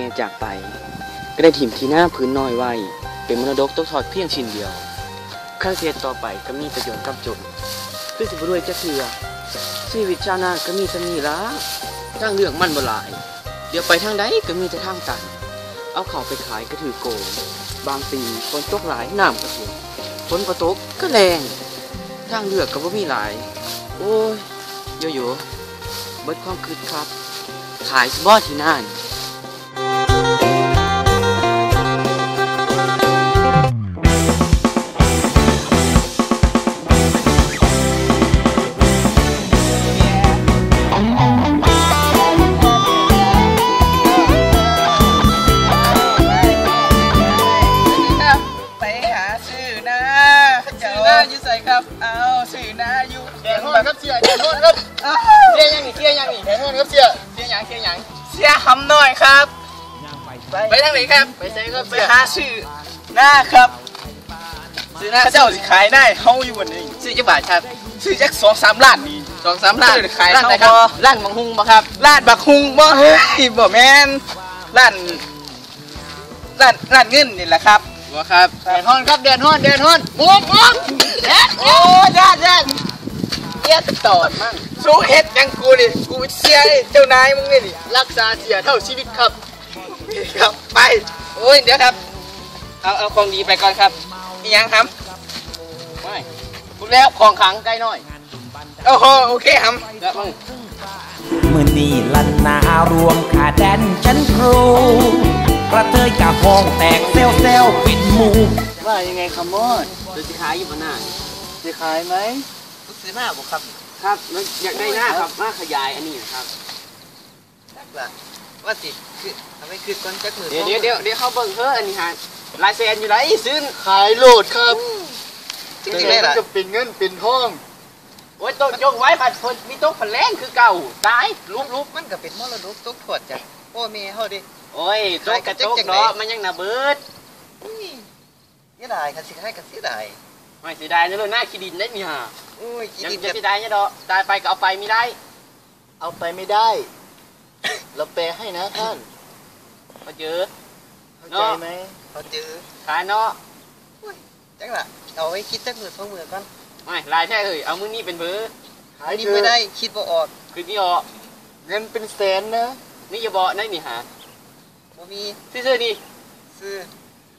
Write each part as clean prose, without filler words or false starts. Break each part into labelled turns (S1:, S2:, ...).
S1: จากไปก็ได้ถิ่มที่หน้าพื้นน้อยไว้เป็นมรดกตกทอดเพียงชิ้นเดียวข้าเสียต่อไปก็มีประโยชน์กับจนคือสิบรวยจะเถื่อชีวิตชาวนาก็มีสมีละทางเรื่องมันบ่หลายเดี๋ยวไปทางใดก็มีแต่ทางตันเอาเข้าไปขายก็ถือโกงบางปีฝนตกหลายน้ำก็ท่วมฝนตกก็แรงทางเลือกก็บ่มีหลายโอ้ยโยโย่เบิดความคิดครับขายสบอที่นั่น
S2: อยู่ใส่ครับเอาสื่อนะอยู่
S3: แดนฮอนครับเสียแดนฮอนครับเสียยังนี่แดนฮอนครับเสีย
S2: ยังเสียคำหน่อยครับไปทางไหนครับ
S3: ไปใส่ครับ
S2: ไปหาสื่อหน้าครับสื่อหน้าเจ้าสิขายได้เฮาอยู่วันนี้สื่อจักบาทครับสื่อจัก2-3 ล้านนี่2-3 ล้านขายร้านไหนครับ
S1: ร้านบักฮุงบ่ครับ
S2: ร้านบักฮุงบ่เฮ้ยบ่แม่นร้านเงินนี่แหละครับ
S1: บ่ครับ
S3: แดนฮอนครับแดนฮอนมุก
S2: โอ้ญาติเอียดตอดมั่งสู้เฮ็ดยังกูดิกูเสียเจ้านายมึงนี่
S3: รักษาเสียเท่าชีวิตครับ
S2: ครับไปโอ้ยเดี๋ยวครับเอาของดีไปก่อนครับอีหยังครับ
S1: ไม่พูดแล้วของขังใกล้น้อย
S2: โอ้โหโอเคครับ
S1: แล้วมึง
S4: มือนี่ลันนารวมขาแดนฉันครูกระเทยกับห้องแตกเซลปิดหมู
S3: ว่ายังไงคำมอด
S1: จะขายอยู่บนหน้า
S3: จะขายไหม
S2: ซื้อหน้าบุครับ
S1: ครับอยากได้หน้าครับมาขยายอันนี้นะครับ
S2: ว่าสิคือทำให้คือก้นจักมือ
S1: เดี๋ยวเขาเบิ่งเฮ้ออันนี้ฮะลายเซ็นอยู่ไหนซื้อ
S3: ขายโหลดครับจริงๆแล้วจะเป็นเงินเป็นทอง
S1: โอ้ยโต๊ะยกไว้ผัดคนมีโต๊ะผัดแรงคือเก่าตาย
S2: รูปมันก็เป็นมรดกตกทอดจากพ่อแม่เฮาดิ
S1: โอ้ยโต๊ะกระจกเนาะมันยังน่าเบิด
S2: เสียดายค่ะสิให้กันเสียดาย
S1: ไม่เสียดายนะเลยหน้าขี้ดินได้มีฮะ
S2: โอ้ยขี้
S1: ดินจะเสียดายเนี่ยดอกตายไปก็เอาไปไม่ได้
S3: เอาไปไม่ได้เราแปลให้นะท่าน
S1: เขาเจอ
S3: เข้าใจไหม
S2: เขาเจอ
S1: ขายเนาะ
S2: จังละเอาไว้คิดจักมือ2 มือก่อน
S1: ไม่ลายแท้เลยเอามือนี่เป็นเบอร์
S2: ขายนี่ไม่ได้คิดบ่ออก
S1: คือนี่ออก
S3: เงินเป็นแสนนะ
S1: นี่อย่าบอกนั่นนี่หา
S2: บ่มี
S1: ซื้อนี่
S2: ซื้อ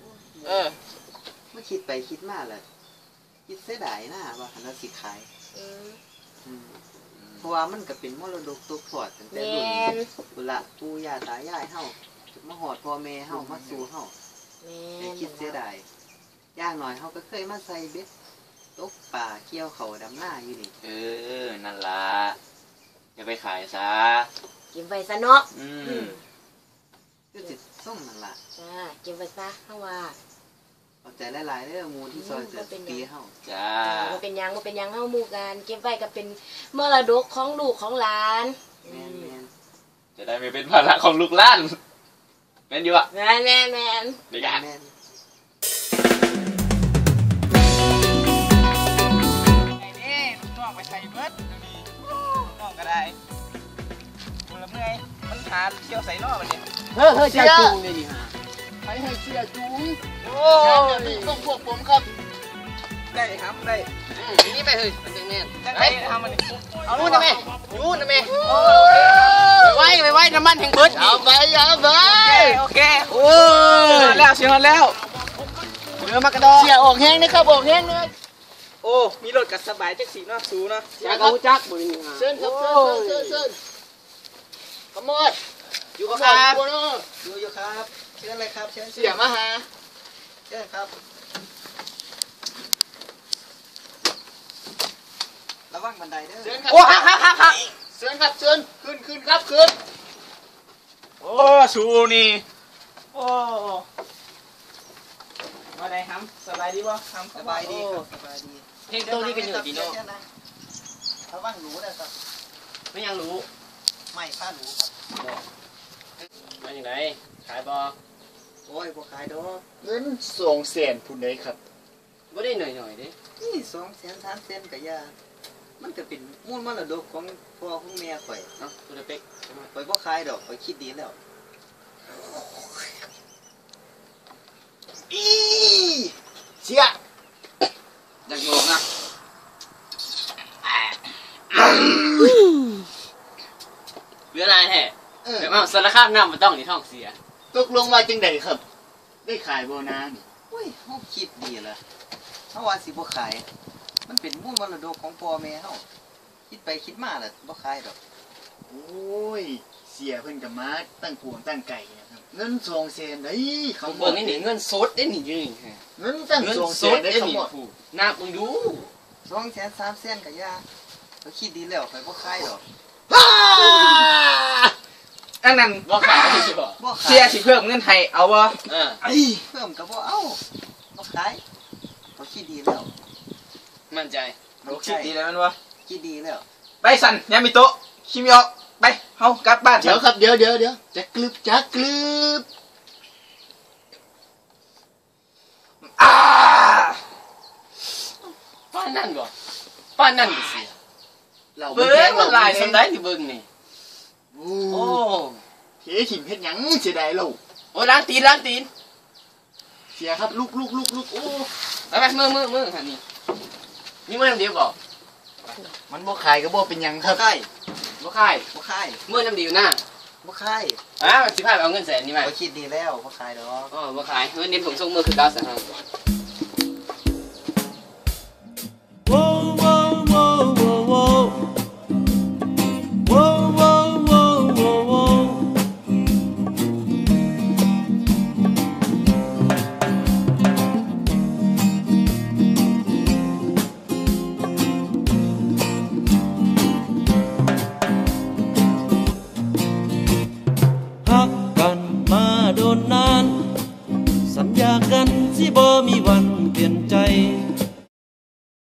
S1: ไม่คิดไปคิดมาเลยคิดเสียดายนะว่าหันเราสิขายเพราะว่ามันก็เป็นมรดกตกทอดตั้งแต่รุ่นละปู่ย่าตายายเฮามาหอดพ่อแม่เฮามาสู่เฮาแต่คิดเสียดายย่างหน่อยเฮาก็เคยมาใส่เบ็ดตกป่าเกี่ยวเขาดำหน้าอยู่นี่นั่นล่ะอย่าไปขายซะ
S5: กินไปซะเนาะ
S1: ก็จิตส้มนั่นล่ะ
S5: จ้ากินไปซะเฮาว่า
S1: เอาใจหลายๆเด้อมูที่ซอยจะปีเฮา
S5: จ้าบ่เป็นหยังเฮาหมู่กันเก็บไว้ก็เป็นมรดกของลูกของหลาน
S1: แม่นจะได้ไม่เป็นภาระของลูกหลานแม่นอยู่อ่ะ
S5: แม่น
S1: เดี๋ยวกัน
S2: ไปใส่เบิดน้องก็ได้บุญละเมื่อยมันหาเที่ยวใส่นอกมันเนี่ย
S1: เฮ้ยเสียจูงเลยดิฮะ
S3: ให้เสียจูง
S2: โอ้ย
S3: ต้องพวกผมครับ
S2: ได้ครับได้
S1: นี่ไปเฮ้ยมันจังแน่น
S2: ไปทำมัน
S1: เอานู่นนะแม่นู่นนะแม่ไปไว้น้ำมันแห่งเบิด
S3: เอาไป
S2: โอเคโอ้แล้วเสียแล้ว
S1: เรือมากระดอ
S3: เสียออกแห้งนะครับออกแห้งเลย
S2: โอ้มีรถกับสบายจักสีเนาะสูเนาะ
S1: อยากเอาจักบุญ
S3: เชิญครับเชิญขโมย
S2: อยู่ครับ
S3: อยู่ครับเชิญเลยครับเชิญ
S2: เสียมาหา
S3: เชิญครับ
S2: ระวังบันไดเด้อ
S3: เชิญครับโอ้ฮักเชิญครับเชิญขึ้นครับขึ้น
S2: โอ้สูนี่โอ้มาได้ครับสบายดีป่ะครับสบายดีครับสบายดี
S1: เพลงตัวนี้กันอยู่ดีเนาะ
S3: ระวังหนูนะครับ
S1: ไม่ยังรู้
S3: ไม่ค่าหนูครับ
S1: มาอย่างไรขายบอ
S3: โอ้ยพอขายดอกเงิน200,000พูดได้ครับ
S1: ไม่ได้หน่อยดิ
S3: นี่200,000 300,000กับยามันก็เป็นมูลมรดกของพ่อของแม่ข่อย
S1: เนาะตัวเล็ก
S3: ข่อยบ่ขายดอกข่อยคิดดีแล้ว
S2: ารคามน้ำมันต้องนี่ท้องเสีย
S3: ตกลงมาจังใดครับ ได้ขายโบนานี่
S6: โอ้ยเฮาคิดดีละเฮาว่าสิบ่ขาย มันเป็นมูลมรดกของพ่อแม่เฮาคิดไปคิดมาล่ะบ่ขายดอก
S3: โอ้ยเสียเพิ่นกับมาตั้งกวงตั้งไก่นะครับเงิน200,000ได้เขา
S2: เบิ่งนี่เงินสดได้นี่ยืน
S3: เงินตั้ง
S2: เงินสด
S3: 200,000ได้
S2: ได้
S3: เขา
S2: นี่
S3: หมด
S2: นับมึงดู
S6: 200,000 300,000ก็ย่าเขาคิดดีแล้วข่อยบ่ขายดอก
S2: อันนั้นบ่ขายสิบ่
S6: บ่ขาย
S2: เสียสิเพิ่มเงินให้เอาบ่
S6: เพิ่มก็บ่เอาบ่ขายเขาคิดดีแล้ว
S2: มั่นใจคิดดีแล้วมันวะ
S6: คิดดีแล้ว
S2: ไปสั่นยามิโตะคิมิออกไปเฮากลับบ้าน
S3: เดี๋ยวครับเดี๋ยวจะกลึบจะกลึบ
S2: ป้านนั่นบ่ป้านนั่นสิ
S3: เรา
S2: เบิ่งมันลายสำได้ที่เบิ่งนี่
S3: โอ้
S2: โอ้
S3: เฮ้ถิ่มเฮ็ดหยังเสียดายเรา
S2: โอ้ล้างตีน
S3: เสียครับลูกโอ้
S2: ไปมือหันนี่นี่มือน้ำเดียวบ่
S3: มันบ่ขายก็บ่เป็นหยังครับ
S6: ขาย
S2: บ่ขาย
S6: บ่ขาย
S2: มือน้ำเดียวนะ
S6: บ่ขาย
S2: สิพาไปเอาเงินแสนนี่มา
S6: เขาคิดดีแล้วบ่ขายดอก
S2: อ๋อบ่ขายเงินเน้นผมส่งมือคือเก้าแสนห้า
S7: ฮักกันมาโดนนาน สัญญากันสิบ่มีวันเปลี่ยนใจ